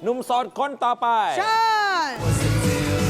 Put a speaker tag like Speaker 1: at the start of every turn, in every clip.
Speaker 1: หนุ่มโสดคนต่อไป
Speaker 2: เชิญ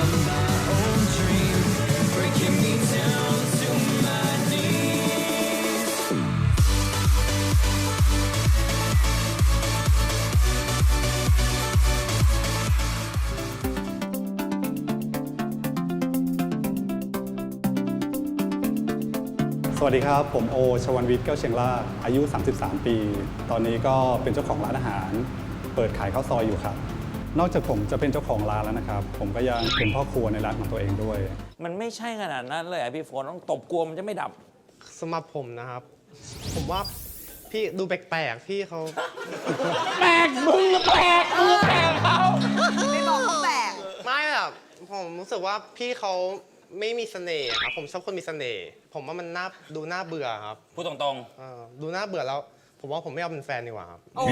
Speaker 3: สวัสดีครับผมโอชวันวิทย์แก้วเชียงรากอายุ 33 ปี ตอนนี้ก็เป็นเจ้าของร้านอาหาร เปิดขายข้าวซอยอยู่ครับ นอกจากผมจะเป็นเจ้าของร้านแล้วนะครับ ผมก็ยังเป็นพ่อครัวในร้านของตัวเองด้วย
Speaker 1: มันไม่ใช่ขนาดนั้นเลยพี่ฝนต้องตบกลัวมันจะไม่ดับ
Speaker 4: สำหรับผมนะครับ ผมว่าพี่ดูแปลกๆพี่เขา
Speaker 1: แปลกมึงแปลกมึงแปลกเขา
Speaker 2: ไม่บอกเขาแปลก
Speaker 4: ไม่แบบผมรู้สึกว่าพี่เขาไม่มีเสน่ห์ครับผมชอบคนมีเสน่ห์ผมว่ามันดูน่าเบื่อครับ
Speaker 1: พูดตรง
Speaker 4: ดูน่าเบื่อแล้ว ผมว่าผมไม่เอาเป็นแฟนดีกว่าครับ
Speaker 2: โอ้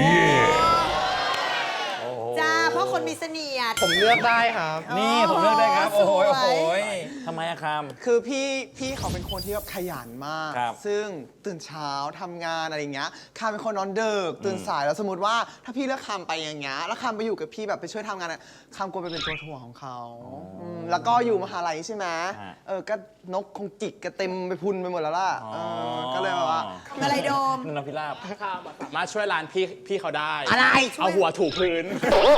Speaker 2: จ้าเพราะคนมีเสน่ห์
Speaker 4: ผมเลือกได้ครับ
Speaker 1: ๆนี่ผมเลือกได้ครับ โอ้โห
Speaker 2: สวย
Speaker 1: โอ้โหทำไมอะคาม
Speaker 5: คือพี่เขาเป็นคนที่แบบขยันมาก
Speaker 1: ครับ
Speaker 5: ซึ่งตื่นเช้าทำงานอะไรอย่างเงี้ยคามเป็นคนนอนดึกตื่นสายแล้วสมมติว่าถ้าพี่เลือกคามไปอย่างเงี้ยแล้วคามไปอยู่กับพี่แบบไปช่วยทำงานอะคามกลัวไปเป็นตัวถ่วงของเขาแล้วก็อยู่มหาลัยใช่ไหมก็นกคงจิกกระเต็มไปพุนไปหมดแล้วล่ะก็เลยแบบว่า
Speaker 2: อะไรโดม
Speaker 1: นพิราบ
Speaker 6: มาช่วยร้านพี่เขาได้
Speaker 2: อะไร
Speaker 6: เอาหัวถูพื้น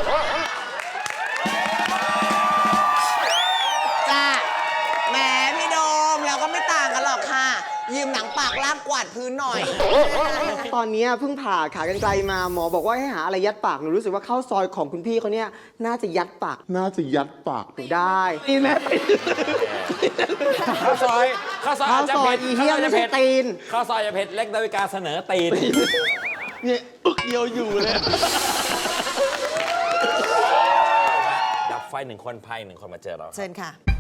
Speaker 5: จ้าแหมพี่โดมเราก็ไม่ต่างกันหรอกค่ะ ยืมหนังปากลากกวาดพื้นหน่อย
Speaker 7: ตอนนี้เพิ่งผ่าขากรรไกรมาหมอบอกว่าให้หาอะไรยัดปากหนูรู้สึกว่าข้าวซอยของคุณพี่เขาเนี่ยน่าจะยัดปากหนูได้นี่แม่
Speaker 1: ข้าวซอยอาจจะเผ็ด
Speaker 7: อีเหี้ยไม่ใช่ตีน
Speaker 1: ข้าวซอยจะเผ็ดเล็กดาวิกาเสนอตีน
Speaker 7: เนี่ยอึกเดียวอยู่เลย
Speaker 1: ดับไฟ1 คนภัย1 คนมาเจอเรา
Speaker 2: เชิญค่ะ